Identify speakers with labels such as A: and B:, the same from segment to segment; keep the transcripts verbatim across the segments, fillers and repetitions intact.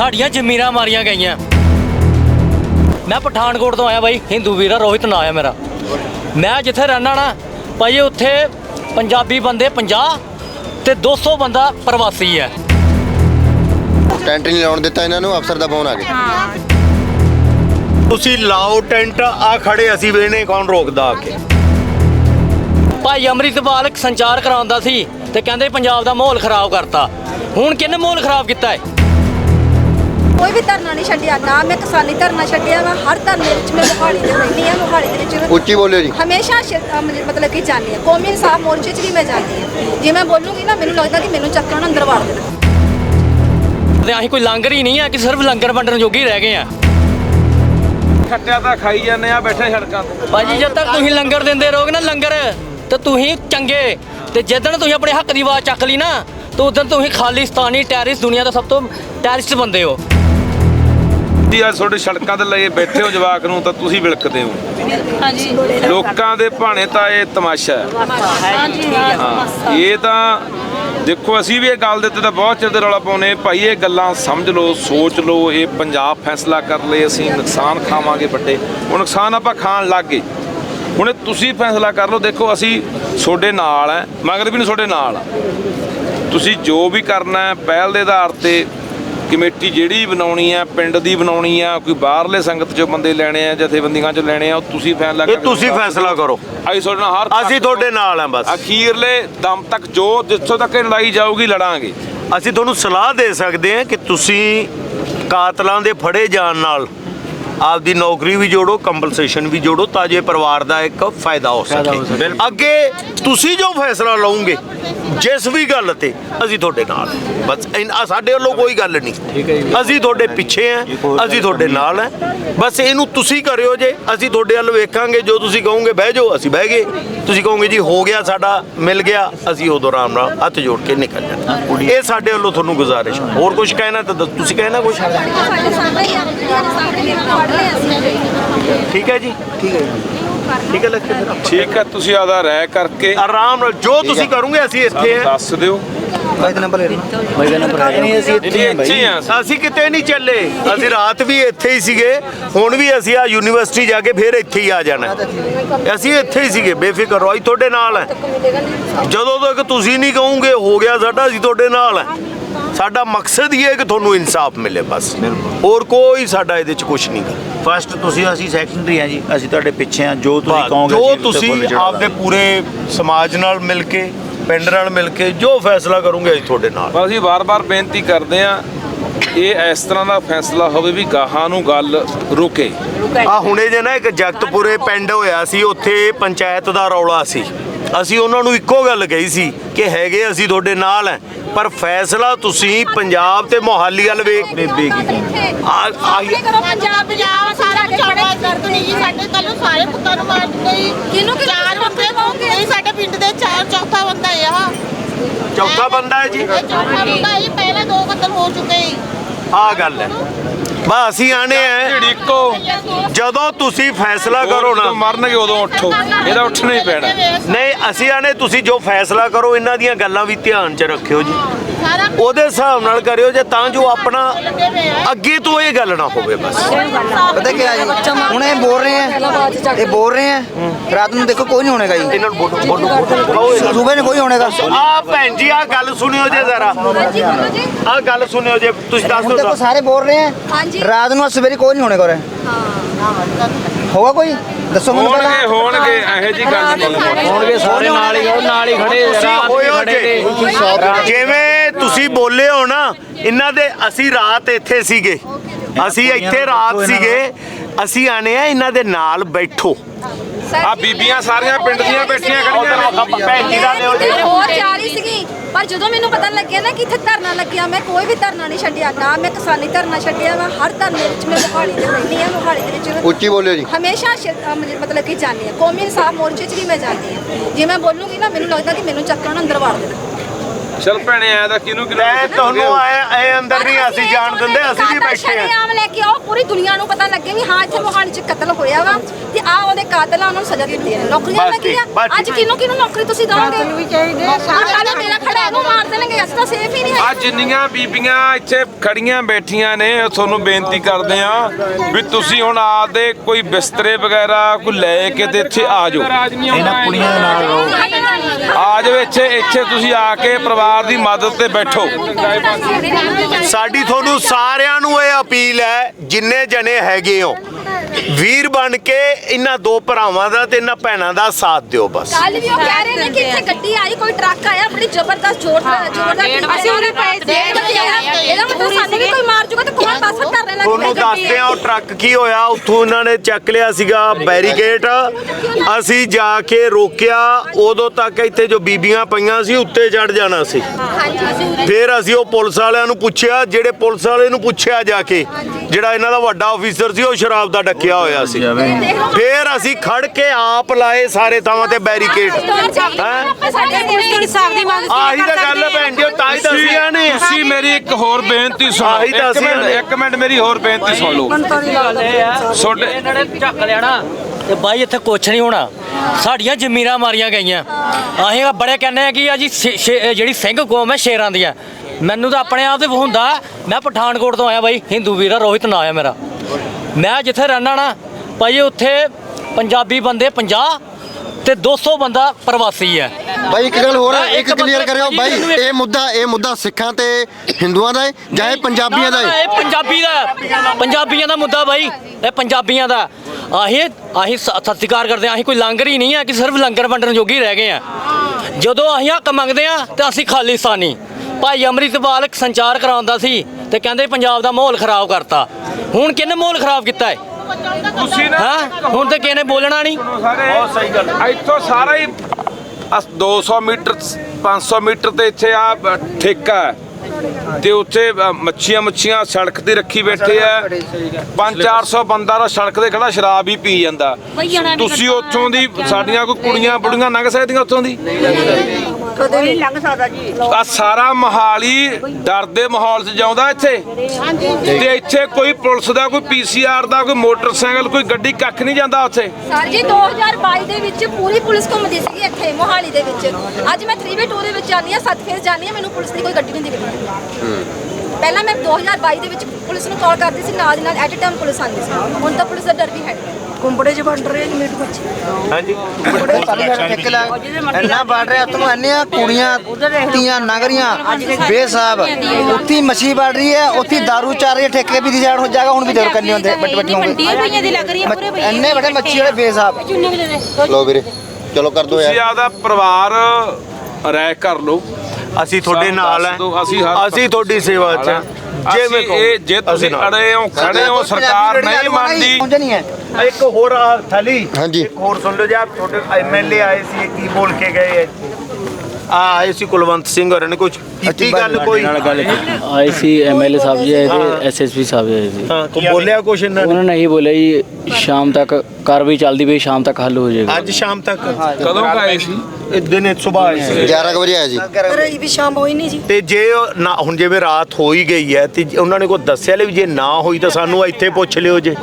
A: ਸਾਡੀਆਂ ਜ਼ਮੀਰਾਂ ਮਾਰੀਆਂ ਗਈਆਂ। ਮੈਂ ਪਠਾਨਕੋਟ ਤੋਂ ਆਇਆ ਬਾਈ, ਹਿੰਦੂ ਵੀਰਾ ਰੋਹਿਤ ਨਾਂ ਆ ਮੇਰਾ। ਮੈਂ ਜਿੱਥੇ ਰਹਿਣਾ ਨਾ ਭਾਈ ਉੱਥੇ ਪੰਜਾਬੀ ਬੰਦੇ ਪੰਜਾਹ ਤੇ ਦੋ ਸੌ ਬੰਦਾ ਪ੍ਰਵਾਸੀ ਹੈ।
B: ਟੈਂਟ ਨਹੀਂ ਲਾਉਣ ਦਿੱਤਾ ਇਹਨਾਂ ਨੂੰ, ਅਫਸਰ ਦਾ ਫੋਨ ਆ ਗਿਆ।
C: ਤੁਸੀਂ ਲਾਓ ਟੈਂਟ, ਆ ਖੜੇ ਅਸੀਂ ਵੇਖਣੇ ਕੌਣ ਰੋਕਦਾ ਆ ਕੇ।
A: ਭਾਈ ਅੰਮ੍ਰਿਤਪਾਲ ਸੰਚਾਰ ਕਰਾਉਂਦਾ ਸੀ ਤੇ ਕਹਿੰਦੇ ਪੰਜਾਬ ਦਾ ਮਾਹੌਲ ਖਰਾਬ ਕਰਤਾ। ਹੁਣ ਕਿਹਨੇ ਮਾਹੌਲ ਖਰਾਬ ਕੀਤਾ ਹੈ?
D: ਕੋਈ ਵੀ ਧਰਨਾ ਨਹੀਂ ਛੱਡਿਆ, ਨਾ ਮੈਂ ਕਿਸਾਨੀ ਧਰਨਾ ਛੱਡਿਆ ਵਾ। ਹਰ ਧਰਨੇ ਵਿੱਚ ਮੈਂ ਮੋਹਾਲੀ ਦੇ ਰਹਿੰਦੀ ਹਾਂ। ਮੋਹਾਲੀ ਦੇ ਵਿੱਚ
B: ਉੱਚੀ ਬੋਲਿਓ ਜੀ।
D: ਹਮੇਸ਼ਾ ਸ਼- ਅਹ ਮਤਲਬ ਕਿ ਜਾਂਦੀ ਹਾਂ। ਕੌਮੀ ਇਨਸਾਫ ਮੋਰਚੇ 'ਚ ਵੀ ਮੈਂ ਜਾਂਦੀ ਹਾਂ। ਜੇ ਮੈਂ ਬੋਲੂੰਗੀ ਨਾ ਮੈਨੂੰ ਲੱਗਦਾ ਕਿ ਮੈਨੂੰ ਚੱਕ ਕੇ ਉਹਨਾਂ ਅੰਦਰ ਵਾੜ ਦੇਣਾ।
A: ਤੇ ਅਸੀਂ ਕੋਈ ਲੰਗਰ ਹੀ ਨਹੀਂ ਆ ਕਿ ਸਿਰਫ ਲੰਗਰ ਵੰਡਣ ਜੋਗੇ ਹੀ ਰਹਿ ਗਏ ਆ।
E: ਖੱਟਿਆ ਤਾਂ ਖਾਈ ਜਾਂਦੇ ਆ ਬੈਠੇ ਸੜਕਾਂ ਤੇ।
A: ਭਾਜੀ ਜਦ ਤੱਕ ਤੁਸੀਂ ਲੰਗਰ ਦਿੰਦੇ ਰਹੋਗੇ ਨਾ ਲੰਗਰ, ਤੇ ਤੁਸੀਂ ਚੰਗੇ। ਤੇ ਜਿੱਦਣ ਤੁਸੀਂ ਆਪਣੇ ਹੱਕ ਦੀ ਆਵਾਜ਼ ਚੱਕ ਲਈ ਨਾ, ਤਾਂ ਉਦੋਂ ਤੁਸੀਂ ਖਾਲਿਸਤਾਨੀ ਟੈਰਰਿਸਟ, ਦੁਨੀਆ ਦਾ ਸਭ ਤੋਂ ਟੈਰਰਿਸਟ ਬੰਦੇ ਹੋ।
E: ਜੀ ਅੱਜ ਤੁਹਾਡੇ ਸੜਕਾਂ ਤੇ ਲਏ ਬੈਠੇ ਹੋ ਜਵਾਕ ਨੂੰ ਤਾਂ ਤੁਸੀਂ ਵਿਲਕਦੇ ਹੋ। ਹਾਂਜੀ ਲੋਕਾਂ ਦੇ ਭਾਣੇ ਤਾਂ ਇਹ ਤਮਾਸ਼ਾ ਹੈ। ਹਾਂ ਇਹ ਤਾਂ ਦੇਖੋ ਅਸੀਂ ਵੀ ਇਹ ਗੱਲ ਦੇ ਉੱਤੇ ਤਾਂ ਬਹੁਤ ਚਿਰ ਦੇ ਰੌਲਾ ਪਾਉਂਦੇ ਭਾਈ। ਇਹ ਗੱਲਾਂ ਸਮਝ ਲਓ, ਸੋਚ ਲਓ। ਇਹ ਪੰਜਾਬ ਫੈਸਲਾ ਕਰ ਲਏ, ਅਸੀਂ ਨੁਕਸਾਨ ਖਾਵਾਂਗੇ ਵੱਡੇ। ਉਹ ਨੁਕਸਾਨ ਆਪਾਂ ਖਾਣ ਲੱਗ ਗਏ। ਹੁਣ ਤੁਸੀਂ ਫੈਸਲਾ ਕਰ ਲਓ। ਦੇਖੋ ਅਸੀਂ ਤੁਹਾਡੇ ਨਾਲ ਹੈ, ਮਗਰ ਵੀ ਨਹੀਂ ਤੁਹਾਡੇ ਨਾਲ ਆ। ਤੁਸੀਂ ਜੋ ਵੀ ਕਰਨਾ ਹੈ ਪਹਿਲ ਦੇ ਆਧਾਰ ਤੇ ਕਮੇਟੀ ਜਿਹੜੀ ਬਣਾਉਣੀ ਆ, ਪਿੰਡ ਦੀ ਬਣਾਉਣੀ ਆ, ਕੋਈ ਬਾਹਰਲੇ ਸੰਗਤ ਚੋਂ ਬੰਦੇ ਲੈਣੇ ਆ, ਜਥੇਬੰਦੀਆਂ ਚੋਂ ਲੈਣੇ ਆ, ਉਹ ਤੁਸੀਂ ਫੈਸਲਾ
C: ਇਹ ਤੁਸੀਂ ਫੈਸਲਾ ਕਰੋ।
E: ਅਸੀਂ ਤੁਹਾਡੇ ਨਾਲ ਹਰ
C: ਅਸੀਂ ਤੁਹਾਡੇ ਨਾਲ ਆ ਬਸ।
E: ਅਖੀਰਲੇ ਦਮ ਤੱਕ ਜੋ ਜਿੱਥੋਂ ਤੱਕ ਇਹ ਲੜਾਈ ਜਾਊਗੀ ਲੜਾਂਗੇ।
C: ਅਸੀਂ ਤੁਹਾਨੂੰ ਸਲਾਹ ਦੇ ਸਕਦੇ ਹਾਂ ਕਿ ਤੁਸੀਂ ਕਾਤਲਾਂ ਦੇ ਫੜੇ ਜਾਣ ਨਾਲ ਆਪਦੀ ਨੌਕਰੀ ਵੀ ਜੋੜੋ, ਕੰਪਨਸੇਸ਼ਨ ਵੀ ਜੋੜੋ, ਤਾਂ ਜੇ ਪਰਿਵਾਰ ਦਾ ਇੱਕ ਫਾਇਦਾ ਹੋ ਸਕੇ। ਅੱਗੇ ਤੁਸੀਂ ਜੋ ਫੈਸਲਾ ਲਓਗੇ ਜਿਸ ਵੀ ਗੱਲ ਤੇ, ਅਸੀਂ ਤੁਹਾਡੇ ਨਾਲ ਬਸ। ਇਨ- ਸਾਡੇ ਵੱਲੋਂ ਕੋਈ ਗੱਲ ਨਹੀਂ। ਅਸੀਂ ਤੁਹਾਡੇ ਪਿੱਛੇ ਆ, ਅਸੀਂ ਤੁਹਾਡੇ ਨਾਲ ਆ। ਬਸ ਇਹਨੂੰ ਤੁਸੀਂ ਕਰਿਓ ਜੇ, ਅਸੀਂ ਤੁਹਾਡੇ ਵੱਲ ਵੇਖਾਂਗੇ। ਜੋ ਤੁਸੀਂ ਕਹੋਗੇ ਬਹਿ ਜਾਓ, ਅਸੀਂ ਬਹਿ ਗਏ। ਤੁਸੀਂ ਕਹੋਗੇ ਜੀ ਹੋ ਗਿਆ ਸਾਡਾ, ਮਿਲ ਗਿਆ, ਅਸੀਂ ਉਦੋਂ ਆਰਾਮ ਨਾਲ ਹੱਥ ਜੋੜ ਕੇ ਨਿਕਲ ਜਾਣਾ। ਇਹ ਸਾਡੇ ਵੱਲੋਂ ਤੁਹਾਨੂੰ ਗੁਜ਼ਾਰਿਸ਼। ਹੋਰ ਕੁਝ ਕਹਿਣਾ ਤਾਂ ਦੱਸੋ। ਤੁਸੀਂ ਕਹਿਣਾ ਕੁਝ? ਠੀਕ ਹੈ ਜੀ, ਠੀਕ ਹੈ ਠੀਕ ਹੈ ਲੱਗੇ ਫਿਰ ਆਪਾਂ
E: ਠੀਕ ਹੈ, ਤੁਸੀਂ ਆਦਾ ਰਾਇ ਕਰਕੇ
C: ਆਰਾਮ ਨਾਲ ਜੋ ਤੁਸੀਂ ਕਰੋਗੇ ਅਸੀਂ ਇੱਥੇ ਆ।
E: ਦੱਸ ਦਿਓ।
B: ਬਾਈ ਦਾ ਨੰਬਰ ਲੈ ਲਓ। ਬਾਈ ਦਾ ਨੰਬਰ ਹੈ ਨਹੀਂ, ਅਸੀਂ
E: ਨਹੀਂ ਇੱਥੇ ਹੀ ਆ।
C: ਅਸੀਂ ਕਿਤੇ ਨਹੀਂ ਚੱਲੇ। ਅਸੀਂ ਰਾਤ ਵੀ ਇੱਥੇ ਹੀ ਸੀਗੇ, ਹੁਣ ਵੀ ਅਸੀਂ ਆ ਯੂਨੀਵਰਸਿਟੀ ਜਾ ਕੇ ਫਿਰ ਇੱਥੇ ਹੀ ਆ ਜਾਣਾ। ਅਸੀਂ ਇੱਥੇ ਹੀ ਸੀਗੇ, ਬੇਫਿਕਰ ਰਹੋ। ਅਸੀਂ ਤੁਹਾਡੇ ਨਾਲ ਹੈ। ਜਦੋਂ ਤੱਕ ਤੁਸੀਂ ਨਹੀਂ ਕਹੋਗੇ ਹੋ ਗਿਆ ਸਾਡਾ, ਅਸੀਂ ਤੁਹਾਡੇ ਨਾਲ ਹੈ। ਸਾਡਾ ਮਕਸਦ ਹੀ ਹੈ ਕਿ ਤੁਹਾਨੂੰ ਇਨਸਾਫ ਮਿਲੇ ਬਸ। ਹੋਰ ਕੋਈ ਸਾਡਾ ਇਹਦੇ 'ਚ ਕੁਝ ਨਹੀਂ ਗਾ।
F: ਫਸਟ ਤੁਸੀਂ, ਅਸੀਂ ਸੈਕੰਡਰੀ ਆ ਜੀ। ਅਸੀਂ ਤੁਹਾਡੇ ਪਿੱਛੇ ਆ। ਜੋ ਤੁਸੀਂ ਕਹੋਗੇ
C: ਜੋ ਤੁਸੀਂ ਆਪਦੇ ਪੂਰੇ ਸਮਾਜ ਨਾਲ ਮਿਲ ਕੇ, ਪਿੰਡ ਨਾਲ ਮਿਲ ਕੇ ਜੋ ਫੈਸਲਾ ਕਰੋਗੇ ਅਸੀਂ ਤੁਹਾਡੇ ਨਾਲ।
E: ਪਰ ਅਸੀਂ ਵਾਰ-ਵਾਰ ਬੇਨਤੀ ਕਰਦੇ ਆ, ਇਹ ਇਸ ਤਰ੍ਹਾਂ ਦਾ ਫੈਸਲਾ ਹੋਵੇ ਵੀ ਗਾਹਾਂ ਨੂੰ ਗੱਲ ਰੁਕੇ।
C: ਆ ਹੁਣੇ ਜੇ ਨਾ ਇੱਕ ਜਗਤਪੁਰੇ ਪਿੰਡ ਹੋਇਆ ਸੀ, ਉੱਥੇ ਪੰਚਾਇਤ ਦਾ ਰੌਲਾ ਸੀ। ਅਸੀਂ ਉਹਨਾਂ ਨੂੰ ਇੱਕੋ ਗੱਲ ਕਹੀ ਸੀ ਕਿ ਹੈਗੇ ਅਸੀਂ ਤੁਹਾਡੇ ਨਾਲ ਹੈ, ਪਰ ਫੈਸਲਾ ਤੁਸੀਂ ਪੰਜਾਬ ਤੇ ਮੋਹਾਲੀ ਵੱਲ ਵੇਖ ਬੇਬੇ ਕੀ
G: ਕਰੋ। ਪੰਜਾਬ ਪੰਜਾਬ ਸਾਰਾ ਚੌੜਾ ਦਰਦ ਨਹੀਂ ਜੀ। ਸਾਡੇ ਕੱਲੋਂ ਸਾਰੇ ਪੁੱਤਾਂ ਨੂੰ ਮਾਰ ਦਿੱਤੇ ਜੀ। ਕਿਹਨੂੰ ਚਾਰ ਬੰਦੇ ਕਹੋਗੇ? ਸਾਡੇ ਪਿੰਡ ਦੇ ਚਾਰ ਚੌਥਾ ਬੰਦਾ ਹੈ। ਆ
C: ਚੌਥਾ ਬੰਦਾ ਹੈ ਜੀ।
G: ਚੌਥਾ ਬੰਦਾ ਜੀ। ਪਹਿਲਾਂ ਦੋ ਕਤਲ ਹੋ ਚੁੱਕੇ ਜੀ।
C: ਆ ਗੱਲ ਹੈ। ਬਸ ਅਸੀਂ ਆਣੇ ਆ,
E: ਢੀਕੋ
C: ਜਦੋਂ ਤੁਸੀਂ ਫੈਸਲਾ ਕਰੋ ਨਾ,
E: ਜਦੋਂ ਮਰਨਗੇ ਉਦੋਂ ਉੱਠੋ। ਇਹਦਾ ਉੱਠਣਾ ਹੀ ਪੈਣਾ।
C: ਨਹੀਂ ਅਸੀਂ ਆਣੇ, ਤੁਸੀਂ ਜੋ ਫੈਸਲਾ ਕਰੋ ਇਹਨਾਂ ਦੀਆਂ ਗੱਲਾਂ ਵੀ ਧਿਆਨ 'ਚ ਰੱਖਿਓ ਜੀ। ਉਹਦੇ ਹਿਸਾਬ ਨਾਲ ਕਰਿਓ ਜੇ, ਤਾਂ ਜੋ ਆਪਣਾ ਅੱਗੇ ਤੋਂ ਇਹ ਗੱਲ ਨਾ ਹੋਵੇ ਬਸ।
B: ਪਤਾ ਕੀ ਆ ਜੀ, ਹੁਣ ਇਹ ਬੋਲ ਰਹੇ ਆ, ਇਹ ਬੋਲ ਰਹੇ ਆ ਰਾਤ ਨੂੰ ਦੇਖੋ ਕੋਈ ਨਹੀਂ ਹੋਣੇਗਾ ਜੀ।
C: ਇਹਨਾਂ ਨੂੰ ਬੋਲੋ ਬੋਲੋ
B: ਸੂਬੇ ਨੇ ਕੋਈ ਹੋਣੇਗਾ।
C: ਆ ਭੈਣ ਜੀ ਆ ਗੱਲ ਸੁਣਿਓ ਜੇ ਜ਼ਰਾ, ਆ ਗੱਲ ਸੁਣਿਓ ਜੇ। ਤੁਸੀਂ ਦੱਸ
B: ਹੁਣ
C: ਦਿਓ।
B: ਦੇਖੋ ਸਾਰੇ ਬੋਲ ਰਹੇ ਆ ਰਾਤ ਨੂੰ, ਸਵੇਰੇ ਕੋਈ ਨਹੀਂ ਹੋਣੇਗਾ। ਹੋਗਾ ਕੋਈ? ਦੱਸੋ ਮੈਨੂੰ
E: ਹੋਣਗੇ
B: ਪਹਿਲਾਂ।
E: ਹੋਣਗੇ ਇਹੋ ਜੀ ਗੱਲ ਨਹੀਂ
A: ਹੋਣਗੇ ਸਾਰੇ ਨਾਲ ਹੀ, ਉਹ ਨਾਲ ਹੀ ਖੜੇ ਰਾਤ ਨੂੰ
C: ਹੋਇਓ
A: ਖੜੇ
C: ਜੇ।
A: ਨੇ।
C: ਜਿਵੇਂ ਤੁਸੀਂ ਬੋਲੇ ਹੋ ਨਾ, ਇਹਨਾਂ ਦੇ ਅਸੀਂ ਰਾਤ ਇੱਥੇ ਸੀਗੇ, ਅਸੀਂ ਇੱਥੇ ਰਾਤ ਸੀਗੇ। ਅਸੀਂ ਆਣੇ ਆ, ਇਹਨਾਂ ਦੇ ਨਾਲ ਬੈਠੋ।
E: ਆ ਬੀਬੀਆਂ ਸਾਰੀਆਂ ਪਿੰਡ ਦੀਆਂ ਬੈਠੀਆਂ ਖੜੀਆਂ।
C: ਭੈਣ ਜੀ ਦਾ ਲਿਓ ਜੀ।
D: ਹੋਰ ਜਾ ਰਹੀ ਸੀਗੀ, ਪਰ ਜਦੋਂ ਮੈਨੂੰ ਪਤਾ ਲੱਗਿਆ ਨਾ ਕਿ ਇੱਥੇ ਧਰਨਾ ਲੱਗਿਆ, ਮੈਂ ਕੋਈ ਵੀ ਧਰਨਾ ਨਹੀਂ ਛੱਡਿਆ, ਨਾ ਮੈਂ ਕਿਸਾਨੀ ਧਰਨਾ ਛੱਡਿਆ ਵਾ। ਹਰ ਧਰਨੇ ਵਿੱਚ ਮੈਂ ਮੋਹਾਲੀ ਦੇ ਰਹਿੰਦੀ ਹਾਂ। ਮੋਹਾਲੀ ਦੇ ਵਿੱਚ
B: ਉੱਚੀ ਬੋਲਿਓ ਜੀ।
D: ਹਮੇਸ਼ਾ ਸ਼- ਅਹ ਮਤਲਬ ਕਿ ਜਾਂਦੀ ਹਾਂ। ਕੌਮੀ ਇਨਸਾਫ ਮੋਰਚੇ 'ਚ ਵੀ ਮੈਂ ਜਾਂਦੀ ਹਾਂ। ਜੇ ਮੈਂ ਬੋਲੂੰਗੀ ਨਾ ਮੈਨੂੰ ਲੱਗਦਾ ਕਿ ਮੈਨੂੰ ਚੱਕ ਕੇ ਉਹਨਾਂ ਅੰਦਰ ਵਾੜ ਦੇਣਾ।
E: ਚਲ ਭੈਣੇ ਐ ਤਾਂ ਕਿਹਨੂੰ
C: ਮੈਂ
E: ਕਿਹਨੂੰ
C: ਤੁਹਾਨੂੰ ਐ ਐ ਅੰਦਰ ਨਹੀਂ ਅਸੀਂ ਜਾਣ ਦਿੰਦੇ, ਅਸੀਂ ਵੀ ਬੈਠੇ ਆ।
D: ਆਮ ਲੈ ਕੇ ਆਓ, ਪੂਰੀ ਦੁਨੀਆ ਨੂੰ ਪਤਾ ਲੱਗੇ ਵੀ ਹਾਂ ਇੱਥੇ ਮੋਹਾਲੀ 'ਚ ਕਤਲ ਹੋਇਆ ਵਾ ਤੇ ਆ ਉਹਦੇ ਕਾਤਲਾਂ ਉਹਨਾਂ ਨੂੰ ਸਜ਼ਾ ਦਿੱਤੀ ਹੈ। ਨੌਕਰੀਆਂ
C: ਬਸ
D: ਲੱਗੀਆਂ
C: ਠੀਕ, ਬਸ
D: ਅੱਜ ਕਿਹਨੂੰ ਕਿਹਨੂੰ ਨੌਕਰੀ ਤੁਸੀਂ ਦੋਗੇ?
G: ਵੀ ਚਾਹੀਦੇ ਆ,
D: ਸਾਰੇ ਮੇਰਾ ਖੜਾ ਇਹਨੂੰ ਮਾਰ ਦੇਣਗੇ, ਅਸੀਂ ਤਾਂ ਸੇਫ ਹੀ ਨਹੀਂ
E: ਆ
D: ਹੈ।
E: ਜਿੰਨੀਆਂ ਬੀਬੀਆਂ ਇੱਥੇ ਖੜੀਆਂ ਬੈਠੀਆਂ ਨੇ ਤੁਹਾਨੂੰ ਬੇਨਤੀ ਕਰਦੇ ਆ ਵੀ ਤੁਸੀਂ ਹੁਣ ਆਪਦੇ ਕੋਈ ਬਿਸਤਰੇ ਵਗੈਰਾ ਕੋਈ ਲੈ ਕੇ ਤੇ ਇੱਥੇ ਆ ਜਾਓ,
F: ਇਹਨਾਂ ਕੁੜੀਆਂ ਦੇ ਨਾਲ ਰਹੋ।
E: ਆ ਜਾਓ ਇੱਥੇ ਇੱਥੇ ਤੁਸੀਂ ਆ ਕੇ ਪਰਿਵਾਰ ਦੀ ਮਦਦ ਤੇ ਬੈਠੋ।
C: ਸਾਡੀ ਤੁਹਾਨੂੰ ਸਾਰਿਆਂ ਨੂੰ ਇਹ ਅਪੀਲ ਹੈ, ਜਿੰਨੇ ਜਣੇ ਹੈਗੇ ਹੋ ਵੀਰ ਬਣ ਕੇ ਇਹਨਾਂ ਦੋ ਭਰਾਵਾਂ ਦਾ ਤੇ ਇਹਨਾਂ ਭੈਣਾਂ ਦਾ ਸਾਥ ਦਿਓ ਬਸ।
D: ਕੱਲ ਵੀ ਉਹ ਕਹਿ ਰਹੇ ਨੇ ਕਿ ਇੱਥੇ ਗੱਡੀ ਆਈ, ਕੋਈ ਟਰੱਕ ਆਇਆ, ਬੜੀ ਜ਼ਬਰਦਸਤ ਜ਼ੋਰ ਜ਼ੋਰਦਾਰ ਅਸੀਂ ਉਹਨੇ ਪੈਸੇ ਇਹਦਾ ਮਤਲਬ ਸਾਨੂੰ ਵੀ ਕੋਈ ਮਾਰ ਜੂਗਾ ਤੇ ਕੌਣ ਬੱਸ ਕਰਨੇ ਲੱਗ
C: ਤੁਹਾਨੂੰ ਦੱਸਦੇ ਆ ਉਹ ਟਰੱਕ ਕੀ ਹੋਇਆ। ਉੱਥੋਂ ਇਹਨਾਂ ਨੇ ਚੱਕ ਲਿਆ ਸੀਗਾ ਬੈਰੀਕੇਡ, ਅਸੀਂ ਜਾ ਕੇ ਰੋਕਿਆ। ਉਦੋਂ ਤੱਕ ਇੱਥੇ ਜੋ ਬੀਬੀਆਂ ਪਈਆਂ ਸੀ ਉੱਤੇ ਚੜ ਜਾਣਾ ਸੀ। ਫਿਰ ਅਸੀਂ ਉਹ ਪੁਲਿਸ ਵਾਲਿਆਂ ਨੂੰ ਪੁੱਛਿਆ, ਜਿਹੜੇ ਪੁਲਿਸ ਵਾਲੇ ਨੂੰ ਪੁੱਛਿਆ ਜਾ ਕੇ, ਜਿਹੜਾ ਇਹਨਾਂ ਦਾ ਵੱਡਾ ਅਫੀਸਰ ਸੀ ਉਹ ਸ਼ਰਾਬ ਦਾ ਡੱਕਿਆ ਹੋਇਆ ਸੀ। ਫਿਰ ਅਸੀਂ ਖੜ ਕੇ ਆਪ ਲਾਏ ਸਾਰੇ ਥਾਵਾਂ ਤੇ ਬੈਰੀਕੇਡ। ਆਹੀ ਤਾਂ ਗੱਲ ਹੈ ਭੈਣ ਜੀ, ਤਾਂ ਹੀ ਦੱਸਿਆ ਨੇ।
E: ਤੁਸੀਂ ਮੇਰੀ ਇੱਕ ਹੋਰ ਬੇਨਤੀ ਸੁਣੋ,
C: ਆਹੀ ਤਾਂ
E: ਇੱਕ
C: ਅਸੀਂ
E: ਮਿੰਟ ਇੱਕ ਮਿੰਟ ਮੇਰੀ ਹੋਰ ਬੇਨਤੀ ਸੁਣ ਲਓ।
A: ਛੋਟੇ ਇਹਨਾਂ ਨੇ ਝੱਕ ਲਿਆਣਾ ਤੇ ਬਾਈ ਇੱਥੇ ਕੁਛ ਨਹੀਂ ਹੋਣਾ। ਸਾਡੀਆਂ ਜ਼ਮੀਰਾਂ ਮਾਰੀਆਂ ਗਈਆਂ। ਅਸੀਂ ਤਾਂ ਬੜੇ ਕਹਿੰਦੇ ਆ ਕਿ ਆ ਜੀ ਸ਼ੇ- ਸ਼ੇ- ਜਿਹੜੀ ਸਿੰਘ ਕੌਮ ਹੈ ਸ਼ੇਰਾਂ ਦੀਆਂ। ਮੈਨੂੰ ਤਾਂ ਆਪਣੇ ਆਪ ਤੇ ਹੁੰਦਾ, ਮੈਂ ਪਠਾਨਕੋਟ ਤੋਂ ਆਇਆ ਬਾਈ, ਹਿੰਦੂ ਵੀਰ ਆ, ਰੋਹਿਤ ਨਾਂ ਆ ਮੇਰਾ। ਮੈਂ ਜਿੱਥੇ ਰਹਿਣਾ ਨਾ ਭਾਈ ਉੱਥੇ ਪੰਜਾਬੀ ਬੰਦੇ ਪੰਜਾਹ ਤੇ ਦੋ ਸੌ ਬੰਦਾ ਪ੍ਰਵਾਸੀ ਹੈ।
H: ਭਾਈ ਇੱਕ ਗੱਲ ਹੋਰ ਹੈ,
A: ਇੱਕ
H: ਇੱਕ ਕਲੀਅਰ
A: ਬੰਦਾ
H: ਕਰਿਓ ਬਾਈ,
A: ਜਿਹਨੂੰ
H: ਇਹ ਮੁੱਦਾ ਇਹ ਮੁੱਦਾ ਸਿੱਖਾਂ ਤੇ ਹਿੰਦੂਆਂ ਦਾ ਹੈ ਜਾਂ ਇਹ ਪੰਜਾਬੀਆਂ ਦਾ
A: ਨਾ, ਨਾ,
H: ਹੈ?
A: ਇਹ ਪੰਜਾਬੀ ਦਾ ਪੰਜਾਬੀਆਂ ਦਾ ਮੁੱਦਾ ਬਾਈ, ਇਹ ਪੰਜਾਬੀਆਂ ਦਾ। ਆਹੀ ਆਹੀ ਸਤਿਕਾਰ ਕਰਦੇ ਆ। ਅਸੀਂ ਕੋਈ ਲੰਗਰ ਹੀ ਨਹੀਂ ਆ ਕਿ ਸਿਰਫ ਲੰਗਰ ਵੰਡਣ ਜੋਗੀ ਰਹਿ ਗਏ ਆ। ਜਦੋਂ ਅਸੀਂ ਹੱਕ ਮੰਗਦੇ ਆ ਤੇ ਅਸੀਂ ਖਾਲਿਸਤਾਨੀ। ਭਾਈ ਅੰਮ੍ਰਿਤਪਾਲ ਸੰਚਾਰ ਕਰਾਉਂਦਾ ਸੀ ਤੇ ਕਹਿੰਦੇ ਪੰਜਾਬ ਦਾ ਮਾਹੌਲ ਖਰਾਬ ਕਰਤਾ। ਹੁਣ ਕਿਹਨੇ ਮਾਹੌਲ ਖਰਾਬ ਕੀਤਾ ਹੈ?
E: ਤੁਸੀਂ ਨਾ
A: ਹਾਂ ਹੁਣ ਤੇ ਕਿਸੇ ਨੇ ਬੋਲਣਾ ਨਹੀਂ।
E: ਬਹੁਤ ਸਹੀ ਗੱਲ। ਇੱਥੋਂ ਸਾਰਾ ਹੀ ਅਸ ਦੋ ਸੌ ਮੀਟਰ ਪੰਜ ਸੌ ਮੀਟਰ ਤੇ ਇੱਥੇ ਆ ਠੇਕਾ ਹੈ ਤੇ ਉੱਥੇ ਅ, ਮੱਛੀਆਂ ਮੱਛੀਆਂ ਸੜਕ ਤੇ ਰੱਖੀ ਬੈਠੇ ਆ। ਪੰਜ ਚਾਰ ਸੌ ਬੰਦਾ ਦਾ ਸੜਕ ਤੇ ਖੜਾ ਸ਼ਰਾਬ ਹੀ ਪੀ ਜਾਂਦਾ। ਤੁਸੀਂ ਉੱਥੋਂ ਦੀ ਸਾਡੀਆਂ ਕੋਈ ਕੁੜੀਆਂ ਬੁੜੀਆਂ ਲੰਘ ਸਕਦੀਆਂ ਉੱਥੋਂ ਦੀ?
G: ਕਦੇ ਨਹੀਂ ਲੰਘ ਸਕਦਾ ਜੀ।
E: ਆ ਸਾਰਾ ਮੋਹਾਲੀ ਡਰ ਦੇ ਮਾਹੌਲ 'ਚ ਜਾਉਂਦਾ ਇੱਥੇ। ਤੇ ਇੱਥੇ ਕੋਈ ਪੁਲਿਸ ਦਾ, ਕੋਈ ਪੀਸੀਆਰ ਦਾ, ਕੋਈ ਮੋਟਰਸਾਈਕਲ, ਕੋਈ ਗੱਡੀ ਕੱਖ ਨਹੀਂ ਜਾਂਦਾ ਉੱਥੇ।
D: ਸਰ ਜੀ ਦੋ ਹਜ਼ਾਰ ਬਾਈ ਦੇ ਵਿੱਚ ਪੂਰੀ ਪੁਲਿਸ ਘੁੰਮਦੀ ਸੀ ਇੱਥੇ ਮੋਹਾਲੀ ਦੇ ਵਿੱਚ। ਅੱਜ ਮੈਂ ਥ੍ਰੀ ਵੀ ਟੂ ਦੇ ਵਿੱਚ ਜਾਂਦੀ ਆ, ਸੱਤ ਫੇਸ ਜਾਂਦੀ ਆ, ਮੈਨੂੰ ਪੁਲਿਸ ਦੀ ਕੋਈ ਗੱਡੀ ਨਹੀਂ ਦਿਖਦੀ। ਪਹਿਲਾਂ ਮੈਂ ਦੋ ਹਜ਼ਾਰ ਬਾਈ ਦੇ ਵਿੱਚ ਪੁਲਿਸ ਨੂੰ ਕਾਲ ਕਰਦੀ ਸੀ, ਨਾਲ ਦੀ ਨਾਲ ਐਟ ਟਾਈਮ ਪੁਲਿਸ ਆਉਂਦੀ ਸੀ। ਹੁਣ ਤਾਂ ਪੁਲਿਸ ਦਾ ਡਰ ਵੀ ਹੈ ਨਹੀਂ।
G: ਕੁੰਬੜੇ 'ਚ ਵੰਡ ਰਹੇ ਜੀ ਮੀਟ ਮੱਛੀ।
C: ਹਾਂਜੀ
B: ਠੇਕੇ ਲਾ ਇੰਨਾ ਵੜ ਰਿਹਾ ਤੁਹਾਨੂੰ, ਇੰਨੀਆਂ ਕੁੜੀਆਂ ਧੀਆਂ ਨਗਰੀਆਂ ਬੇਸਾਬ ਉੱਥੇ ਮੱਛੀ ਵੜ ਰਹੀ ਹੈ, ਉੱਥੇ ਦਾਰੂ ਚਾਰ ਰਹੀ ਹੈ, ਠੇਕੇ ਵੀ ਦੀ ਜਾਣ ਹੋ ਜਾਏਗਾ। ਹੁਣ ਵੀ ਜ਼ਰੂਰ ਕਰਨੀ ਹੁੰਦੇ ਬੱਟ ਬੱਟ ਹੋਣਗੇ ਇੰਨੇ ਬੜੇ ਮੱਛੀ ਵਾਲੇ ਬੇਸਾਬ।
H: ਲੋ ਵੀਰੇ ਚਲੋ ਕਰ ਦੋ
E: ਤੁਸੀਂ
H: ਯਾਰ।
E: ਆਪਦਾ ਪਰਿਵਾਰ ਰਾਇ ਕਰ ਲਓ।
C: ਅਸੀਂ ਤੁਹਾਡੇ ਨਾਲ ਹੈ,
E: ਅਸੀਂ ਹਰ
C: ਅਸੀਂ ਤੁਹਾਡੀ ਸੇਵਾ 'ਚ ਹਾਂ।
E: ਜਿਵੇਂ ਇਹ ਜੇ ਤੁਸੀਂ ਅੜੇ ਹੋ ਖੜੇ ਹੋ, ਸਰਕਾਰ ਨਹੀਂ ਮੰਨਦੀ।
B: ਸਮਝ ਨਹੀਂ ਹੈ।
C: ਇੱਕ ਹੋਰ ਆ, ਥਲੀ
H: ਹਾਂਜੀ।
C: ਇੱਕ ਹੋਰ ਸੁਣ ਲਓ ਜੀ। ਆਪ ਤੁਹਾਡੇ ਐਮਐਲਏ ਆਏ ਸੀ, ਕੀ ਬੋਲ ਕੇ ਗਏ ਹੈ? ਆ ਆਏ ਸੀ ਕੁਲਵੰਤ ਸਿੰਘ ਹੋਰਾਂ ਨੇ ਕੁਝ ਕੀਤੀ ਗੱਲ ਕੋਈ?
I: ਆਏ ਸੀ ਐਮਐਲਏ ਸਾਹਿਬ ਜੀ ਆਏ थे, ਐਸਐਸਪੀ ਸਾਹਿਬ ਜੀ ਆਏ ਸੀ।
C: ਹਾਂ ਕੋਈ ਬੋਲਿਆ ਕੁਛ ਇਹਨਾਂ ਨੇ?
I: ਉਹਨਾਂ ਨੇ ਇਹੀ ਬੋਲਿਆ ਜੀ ਸ਼ਾਮ ਤੱਕ ਕਾਰਵਾਈ ਚੱਲਦੀ ਪਈ, ਸ਼ਾਮ ਤੱਕ ਹੱਲ ਹੋ ਜਾਏਗਾ।
C: ਅੱਜ ਸ਼ਾਮ ਤੱਕ
E: ਕਦੋਂ ਕੁ ਆਏ ਸੀ?
C: ਇਹ ਦਿਨ ਸਵੇਰ ਆਏ ਸੀ।
H: ਗਿਆਰਾਂ ਕੁ ਵਜੇ ਆਇਆ ਜੀ।
G: ਰਹੀ ਵੀ ਸ਼ਾਮ ਹੋਈ ਨਹੀਂ ਜੀ।
C: ਤੇ ਜੇ ਉਹ ਨਾ ਹੁਣ ਜਿਵੇਂ ਰਾਤ ਹੋ ਹੀ ਗਈ ਹੈ ਤੇ ਉਹਨਾਂ ਨੇ ਕੋਈ ਦੱਸਿਆ ਲੈ ਵੀ ਜੇ ਨਾ ਹੋਈ ਤਾਂ ਸਾਨੂੰ ਇੱਥੇ ਪੁੱਛ ਲਿਓ ਜੇ।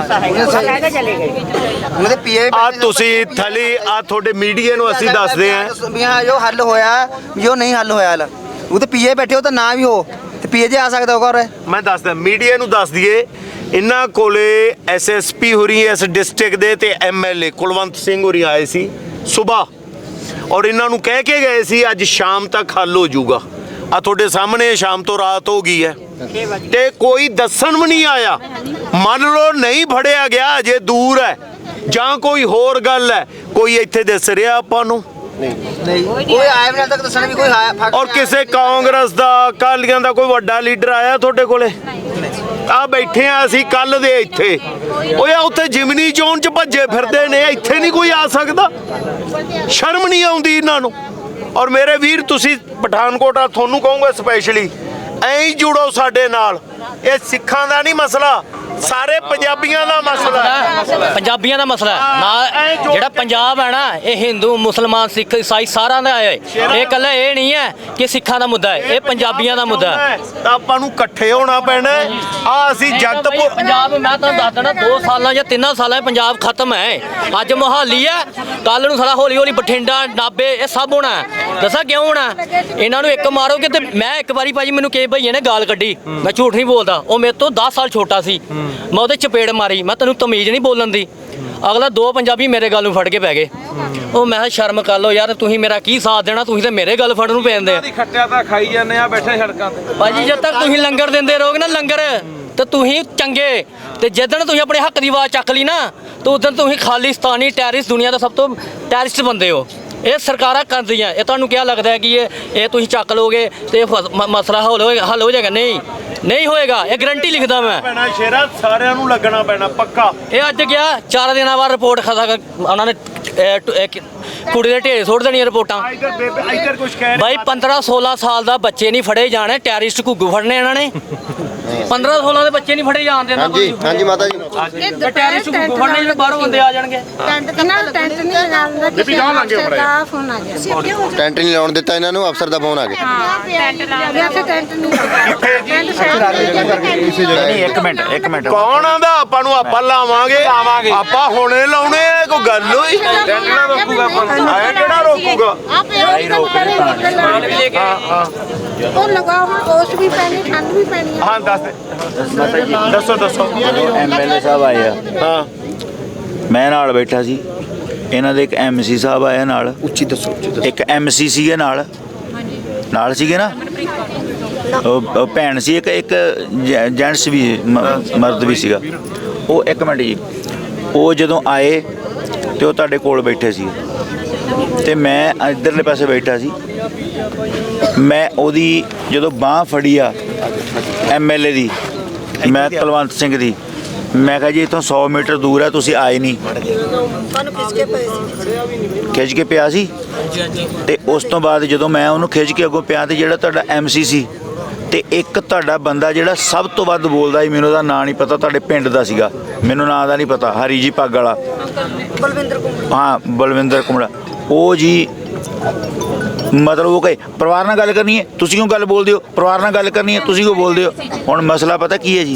B: ਉਹਨਾਂ ਦੇ ਪੀਏ
C: ਆ ਤੁਸੀਂ ਥਲੀ ਆ ਤੁਹਾਡੇ ਮੀਡੀਆ ਨੂੰ ਅਸੀਂ ਦੱਸਦੇ ਆਂ
B: ਵੀ ਹਾਂ ਜੋ ਹੱਲ ਹੋਇਆ ਜੋ ਨਹੀਂ ਹੱਲ ਹੋਇਆ ਹਾਲ ਉਹ ਤੇ ਪੀਏ ਬੈਠੇ ਹੋ ਤਾਂ ਨਾ ਵੀ ਹੋ ਤੇ ਪੀਏ ਜੇ ਆ ਸਕਦਾ ਹੋਗਾ। ਔਰ
C: ਮੈਂ ਦੱਸਦਾ ਮੀਡੀਆ ਨੂੰ ਦੱਸ ਦਈਏ, ਇਹਨਾਂ ਕੋਲੇ ਐਸਐਸਪੀ ਹੋਰੀ ਇਸ ਡਿਸਟ੍ਰਿਕਟ ਦੇ ਤੇ ਐਮਐਲਏ ਕੁਲਵੰਤ ਸਿੰਘ ਹੋਰੀ ਆਏ ਸੀ ਸਵੇਰ, ਔਰ ਇਹਨਾਂ ਨੂੰ ਕਹਿ ਕੇ ਗਏ ਸੀ ਅੱਜ ਸ਼ਾਮ ਤੱਕ ਹੱਲ ਹੋ ਜਾਊਗਾ। ਆ ਤੁਹਾਡੇ ਸਾਹਮਣੇ ਸ਼ਾਮ ਤੋਂ ਰਾਤ ਹੋ ਗਈ ਹੈ ਤੇ ਕੋਈ ਦੱਸਣ ਵੀ ਨਹੀਂ ਆਇਆ। ਮੰਨ ਲਓ ਨਹੀਂ ਫੜਿਆ ਗਿਆ, ਜੇ ਦੂਰ ਹੈ ਜਾਂ ਕੋਈ ਹੋਰ ਗੱਲ ਹੈ, ਕੋਈ ਇੱਥੇ ਦਿਸ ਰਿਹਾ ਆਪਾਂ ਨੂੰ
B: ਨਹੀਂ ਕੋਈ ਆਇਆ ਵੀ ਨਾ ਤੱਕ ਦੱਸਣਾ ਵੀ ਕੋਈ ਆਇਆ।
C: ਔਰ ਕਿਸੇ ਕਾਂਗਰਸ ਦਾ ਅਕਾਲੀਆਂ ਦਾ ਕੋਈ ਵੱਡਾ ਲੀਡਰ ਆਇਆ ਤੁਹਾਡੇ ਕੋਲੇ? ਆ ਬੈਠੇ ਆ ਅਸੀਂ ਕੱਲ ਦੇ ਇੱਥੇ, ਓਏ ਉੱਥੇ ਜਿਮਨੀ ਚੋਣ ਚ ਭੱਜੇ ਫਿਰਦੇ ਨੇ, ਇੱਥੇ ਨਹੀਂ ਕੋਈ ਆ ਸਕਦਾ? ਸ਼ਰਮ ਨਹੀਂ ਆਉਂਦੀ ਇਹਨਾਂ ਨੂੰ? ਔਰ ਮੇਰੇ ਵੀਰ ਤੁਸੀਂ ਪਠਾਨਕੋਟ ਆ, ਤੁਹਾਨੂੰ ਕਹੂੰਗਾ ਸਪੈਸ਼ਲੀ ਐਂ ਹੀ ਜੁੜੋ ਸਾਡੇ ਨਾਲ। ਇਹ ਸਿੱਖਾਂ ਦਾ ਨਹੀਂ ਮਸਲਾ, ਸਾਰੇ ਪੰਜਾਬੀਆਂ ਦਾ ਮਸਲਾ ਹੈ।
A: ਪੰਜਾਬੀਆਂ ਦਾ ਮਸਲਾ ਹੈ ਨਾ। ਜਿਹੜਾ ਪੰਜਾਬ ਹੈ ਨਾ, ਇਹ ਹਿੰਦੂ ਮੁਸਲਮਾਨ ਸਿੱਖ ਈਸਾਈ ਸਾਰਿਆਂ ਦਾ ਹੈ। ਇਹ ਇਕੱਲਾ ਇਹ ਨਹੀਂ ਹੈ ਕਿ ਸਿੱਖਾਂ ਦਾ ਮੁੱਦਾ ਹੈ, ਇਹ ਪੰਜਾਬੀਆਂ ਦਾ ਮੁੱਦਾ ਹੈ।
C: ਤਾਂ ਆਪਾਂ ਨੂੰ ਇਕੱਠੇ ਹੋਣਾ ਪੈਣਾ। ਆ ਅਸੀਂ ਜਗਤ
A: ਪੰਜਾਬ, ਮੈਂ ਤੁਹਾਨੂੰ ਦੱਸ ਦੇਣਾ, ਦੋ ਸਾਲਾਂ ਜਾਂ ਤਿੰਨਾਂ ਸਾਲਾਂ 'ਚ ਪੰਜਾਬ ਖਤਮ ਹੈ। ਅੱਜ ਮੋਹਾਲੀ ਹੈ, ਕੱਲ ਨੂੰ ਸਾਲਾ ਹੌਲੀ ਹੌਲੀ ਬਠਿੰਡਾ, ਨਾਭੇ, ਇਹ ਸਭ ਹੋਣਾ। ਦੱਸਾਂ ਕਿਉਂ ਹੋਣਾ? ਇਹਨਾਂ ਨੂੰ ਇੱਕ ਮਾਰੋਗੇ ਤੇ ਮੈਂ ਇੱਕ ਵਾਰੀ ਭਾਜੀ ਮੈਨੂੰ ਕਿਸੇ ਭਈਏ ਨੇ ਗਾਲ ਕੱਢੀ, ਮੈਂ ਝੂਠ ਨਹੀਂ ਬੋਲਦਾ, ਉਹ ਮੇਰੇ ਤੋਂ ਦਸ ਸਾਲ ਛੋਟਾ ਸੀ, ਮੈਂ ਉਹਦੇ ਚਪੇੜ ਮਾਰੀ, ਮੈਂ ਤੈਨੂੰ ਤਮੀਜ਼ ਨਹੀਂ ਬੋਲਣ ਦੀ। ਅਗਲਾ ਦੋ ਪੰਜਾਬੀ ਮੇਰੇ ਗੱਲ ਨੂੰ ਫੜ ਕੇ ਪੈ ਗਏ। ਉਹ ਮੈਂ ਕਿਹਾ ਸ਼ਰਮ ਕਰ ਲਓ ਯਾਰ, ਤੁਸੀਂ ਮੇਰਾ ਕੀ ਸਾਥ ਦੇਣਾ, ਤੁਸੀਂ ਤੇ ਮੇਰੇ ਗੱਲ ਫੜਨ ਨੂੰ ਪੈਂਦੇ ਆ।
E: ਖੱਟਿਆ ਤਾਂ ਖਾਈ ਜਾਂਦੇ ਆ ਬੈਠੇ ਸੜਕਾਂ ਤੇ
A: ਭਾਜੀ। ਜਦ ਤੱਕ ਤੁਸੀਂ ਲੰਗਰ ਦਿੰਦੇ ਰਹੋਗੇ ਨਾ, ਲੰਗਰ, ਤੇ ਤੁਸੀਂ ਚੰਗੇ, ਤੇ ਜਿੱਦਣ ਤੁਸੀਂ ਆਪਣੇ ਹੱਕ ਦੀ ਆਵਾਜ਼ ਚੱਕ ਲਈ ਨਾ, ਤਾਂ ਉਦੋਂ ਤੁਸੀਂ ਖਾਲਿਸਤਾਨੀ ਟੈਰਰਿਸਟ, ਦੁਨੀਆ ਦਾ ਸਭ ਤੋਂ ਟੈਰਰਿਸਟ ਬੰਦੇ ਹੋ। ਇਹ ਸਰਕਾਰਾਂ ਕਰਦੀਆਂ। ਇਹ ਤੁਹਾਨੂੰ ਕਿਆ ਲੱਗਦਾ ਹੈ ਕਿ ਇਹ ਇਹ ਤੁਸੀਂ ਚੱਕ ਲੋਗੇ ਤੇ ਇਹ ਫਸ- ਮ- ਮਸਲਾ ਹੱਲ ਹੋਏਗਾ? ਹੱਲ ਹੋ ਜਾਏਗਾ? ਨਹੀਂ, ਨਹੀਂ ਹੋਏਗਾ। ਇਹ ਗਰੰਟੀ ਲਿਖਦਾ ਮੈਂ।
C: ਪੈਣਾ ਸ਼ੇਰਾ, ਸਾਰਿਆਂ ਨੂੰ ਲੱਗਣਾ ਪੈਣਾ ਪੱਕਾ।
A: ਇਹ ਅੱਜ ਗਿਆ ਚਾਰ ਦਿਨਾਂ ਬਾਅਦ ਰਿਪੋਰਟ ਖਦਾ ਉਹਨਾਂ ਨੇ ਇਹ ਟ- ਇਹ ਕਿ- ਕੁੜੀ ਦੇ ਢੇਰ ਸੁੱਟ ਦੇਣੀਆਂ ਰਿਪੋਰਟਾਂ।
C: ਇੱਧਰ ਬੇਬੇ ਇੱਧਰ ਕੁਝ ਕਹਿ
A: ਬਾਈ ਪੰਦਰਾਂ ਸੋਲਾਂ ਸਾਲ ਦਾ ਬੱਚੇ ਨਹੀਂ ਫੜੇ ਜਾਣੇ, ਟੈਰਰਿਸਟ ਘੁੱਗੂ ਫੜਨੇ ਇਹਨਾਂ ਨੇ। ਪੰਦਰਾਂ ਸੋਲਾਂ ਦੇ ਬੱਚੇ ਨਹੀਂ ਫੜੇ ਜਾਣਦੇ ਨਾ।
H: ਹਾਂਜੀ ਹਾਂਜੀ ਮਾਤਾ ਜੀ।
A: ਇਹ ਟੈਰਰਿਸਟ ਘੁੱਗੂ ਫੜਨੇ ਜਿਹੜੇ ਬਾਹਰੋਂ ਬੰਦੇ ਆ ਜਾਣਗੇ।
G: ਟੈਂਟ ਕਿੰਨਾ ਟੈਂਟ ਨਹੀਂ ਲਗਾਉਂਦਾ ਕਿਸੇ ਅਫਸਰ ਦਾ ਫੋਨ ਆ ਗਿਆ।
H: ਟੈਂਟ ਨਹੀਂ ਲਾਉਣ ਦਿੱਤਾ ਇਹਨਾਂ ਨੂੰ, ਅਫਸਰ ਦਾ ਫੋਨ ਆ ਗਿਆ।
G: ਹਾਂ ਟੈਂਟ ਲਾ ਗਿਆ ਤੇ ਟੈਂਟ ਨਹੀਂ ਟੈਂਟ
F: ਨਹੀਂ ਇੱਕ ਮਿੰਟ ਇੱਕ ਮਿੰਟ
C: ਕੌਣ ਆਂਦਾ ਆਪਾਂ ਨੂੰ? ਆਪਾਂ ਲਾਵਾਂਗੇ, ਆਪਾਂ ਹੁਣੇ ਲਾਉਣੇ ਆ। ਕੋਈ ਗੱਲ ਹੋਈ?
E: ਟੈਂਟਣਾ ਰੋਕੂਗਾ ਆਪਾਂ ਨੂੰ।
C: ਆਇਆ ਕਿਹੜਾ ਰੋਕੂਗਾ?
G: ਆ ਪੇੜ
C: ਹਾਂ ਹਾਂ
G: ਉਹ ਲਗਾ ਹੁਣ ਉਸ ਵੀ ਪੈਣੀ ਠੰਡ ਵੀ ਪੈਣੀ ਆ।
C: ਹਾਂ ਦੱਸ ਦੇ। ਦੱਸੋ ਦੱਸੋ।
F: ਐਮਐਲਏ ਸਾਹਿਬ ਆਏ ਆ,
C: ਹਾਂ
F: ਮੈਂ ਨਾਲ ਬੈਠਾ ਸੀ, ਇਹਨਾਂ ਦੇ ਇੱਕ ਐਮਸੀ ਸਾਹਿਬ ਆਇਆ ਨਾਲ,
H: ਉੱਚੀ ਦੱਸੋ।
F: ਇੱਕ ਐਮਸੀ ਸੀਗੇ ਨਾਲ ਨਾਲ ਸੀਗੇ ਨਾ, ਉਹ ਉਹ ਭੈਣ ਸੀ, ਇੱਕ ਇੱਕ ਜੈਂਟਸ ਵੀ ਮ- ਮਰਦ ਵੀ ਸੀਗਾ। ਉਹ ਇੱਕ ਮਿੰਟ ਜੀ, ਉਹ ਜਦੋਂ ਆਏ ਤੇ ਉਹ ਤੁਹਾਡੇ ਕੋਲ ਬੈਠੇ ਸੀ ਤੇ ਮੈਂ ਇੱਧਰਲੇ ਪਾਸੇ ਬੈਠਾ ਸੀ। ਮੈਂ ਉਹਦੀ ਜਦੋਂ ਬਾਂਹ ਫੜੀ ਆ ਐਮਐਲਏ ਦੀ, ਮੈਂ ਕੁਲਵੰਤ ਸਿੰਘ ਦੀ, ਮੈਂ ਕਿਹਾ ਜੀ ਇੱਥੋਂ ਸੌ ਮੀਟਰ ਦੂਰ ਹੈ, ਤੁਸੀਂ ਆਏ ਨਹੀਂ। ਖਿੱਚ ਕੇ ਪਿਆ ਸੀ। ਤੇ ਉਸ ਤੋਂ ਬਾਅਦ ਜਦੋਂ ਮੈਂ ਉਹਨੂੰ ਖਿੱਚ ਕੇ ਅੱਗੋਂ ਪਿਆ, ਤੇ ਜਿਹੜਾ ਤੁਹਾਡਾ ਐਮਸੀ ਸੀ ਤੇ ਇੱਕ ਤੁਹਾਡਾ ਬੰਦਾ ਜਿਹੜਾ ਸਭ ਤੋਂ ਵੱਧ ਬੋਲਦਾ ਸੀ, ਮੈਨੂੰ ਉਹਦਾ ਨਾਂ ਨਹੀਂ ਪਤਾ, ਤੁਹਾਡੇ ਪਿੰਡ ਦਾ ਸੀਗਾ, ਮੈਨੂੰ ਨਾਂ ਦਾ ਨਹੀਂ ਪਤਾ, ਹਰੀ ਜੀ ਪੱਗ ਵਾਲਾ, ਬਲਵਿੰਦਰ ਕੁਮੜਾ। ਹਾਂ ਬਲਵਿੰਦਰ ਕੁਮੜਾ। ਉਹ ਜੀ ਮਤਲਬ ਉਹ ਕਹੇ ਪਰਿਵਾਰ ਨਾਲ ਗੱਲ ਕਰਨੀ ਹੈ, ਤੁਸੀਂ ਕਿਉਂ ਗੱਲ ਬੋਲਦੇ ਹੋ? ਪਰਿਵਾਰ ਨਾਲ ਗੱਲ ਕਰਨੀ ਹੈ, ਤੁਸੀਂ ਕਿਉਂ ਬੋਲਦੇ ਹੋ? ਹੁਣ ਮਸਲਾ ਪਤਾ ਕੀ ਹੈ ਜੀ,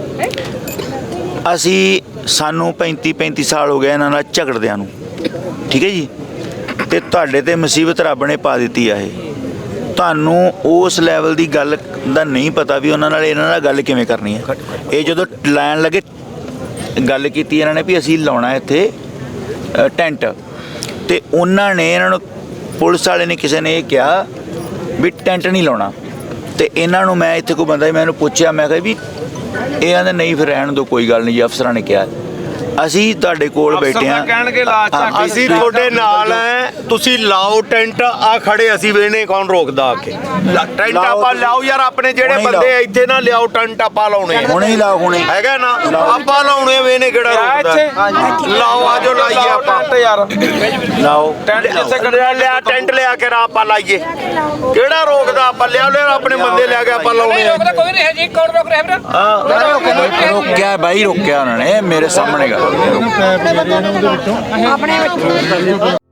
F: ਅਸੀਂ ਸਾਨੂੰ ਪੈਂਤੀ ਪੈਂਤੀ ਸਾਲ ਹੋ ਗਏ ਇਹਨਾਂ ਨਾਲ ਝਗੜਦਿਆਂ ਨੂੰ, ਠੀਕ ਹੈ ਜੀ, ਤੇ ਤੁਹਾਡੇ ਤੇ ਮੁਸੀਬਤ ਰੱਬ ਨੇ ਪਾ ਦਿੱਤੀ ਆ। ਇਹ ਤੁਹਾਨੂੰ ਉਸ ਲੈਵਲ ਦੀ ਗੱਲ ਦਾ ਨਹੀਂ ਪਤਾ ਵੀ ਉਹਨਾਂ ਨਾਲ ਇਹਨਾਂ ਨਾਲ ਗੱਲ ਕਿਵੇਂ ਕਰਨੀ ਹੈ। ਇਹ ਜਦੋਂ ਲੈਣ ਲੱਗੇ, ਗੱਲ ਕੀਤੀ ਇਹਨਾਂ ਨੇ ਵੀ ਅਸੀਂ ਲਾਉਣਾ ਇੱਥੇ ਅ, ਟੈਂਟ, ਤੇ ਉਹਨਾਂ ਨੇ ਇਹਨਾਂ ਨੂੰ, ਪੁਲਿਸ ਵਾਲੇ ਨੇ ਕਿਸੇ ਨੇ ਇਹ ਕਿਹਾ ਵੀ ਟੈਂਟ ਨਹੀਂ ਲਾਉਣਾ। ਤੇ ਇਹਨਾਂ ਨੂੰ ਮੈਂ ਇੱਥੇ ਕੋਈ ਬੰਦਾ ਸੀ, ਮੈਂ ਇਹਨੂੰ ਪੁੱਛਿਆ, ਮੈਂ ਕਿਹਾ ਵੀ ਇਹ ਆਂਦੇ ਨਹੀਂ ਫਿਰ ਰਹਿਣ ਦਿਓ, ਕੋਈ ਗੱਲ ਨਹੀਂ ਜੀ, ਅਫਸਰਾਂ ਨੇ ਕਿਹਾ। ਅਸੀਂ ਤੁਹਾਡੇ ਕੋਲ ਬੈਠੇ ਆ,
E: ਕਹਿਣਗੇ ਲਾ ਝਾਕ।
C: ਅਸੀਂ ਤੁਹਾਡੇ ਨਾਲ ਐ, ਤੁਸੀਂ ਲਾਓ ਟੈਂਟ। ਆ ਖੜੇ ਅਸੀਂ ਵੇਨੇ, ਕੌਣ ਰੋਕਦਾ ਆ ਕੇ? ਟੈਂਟ ਆਪਾਂ ਲਾਓ ਯਾਰ, ਆਪਣੇ ਜਿਹੜੇ
F: ਹੁਣੇ
C: ਬੰਦੇ ਇੱਥੇ ਨਾ ਲਿਆਓ ਟੈਂਟ, ਆਪਾਂ ਲਾਉਣੇ ਆ।
F: ਹੁਣੇ ਹੀ ਲਾਓ, ਹੁਣੇ
C: ਹੈਗਾ ਨਾ, ਆਪਾਂ ਲਾਉਣੇ ਵੇਨੇ, ਕਿਹੜਾ ਰੋਕਦਾ? ਲਾਓ ਆਜੋ, ਲਾਈਏ ਆਪਾਂ
E: ਯਾਰ
F: ਲਾਓ।
E: ਟੈਂਟ ਜਿੱਥੇ
C: ਲਿਆ ਲਿਆ ਟੈਂਟ ਲਿਆ ਕੇ ਰਾ ਆਪਾਂ ਲਾਈਏ, ਕਿਹੜਾ ਰੋਕਦਾ? ਆਪਾਂ ਲਿਆ ਲਿਆ ਆਪਣੇ ਬੰਦੇ ਲਿਆ ਕੇ ਆਪਾਂ ਲਾਉਣੇ ਆ।
E: ਕੋਈ ਨਹੀਂ ਹੈ ਜੀ, ਕੌਣ ਰੋਕ ਰਿਹਾ ਵੀਰ?
C: ਹਾਂ
F: ਰੋਕਿਆ ਬਾਈ, ਰੋਕਿਆ ਉਹਨਾਂ ਨੇ ਮੇਰੇ ਸਾਹਮਣੇ ਗੱਲ।
G: ਆਪਣੇ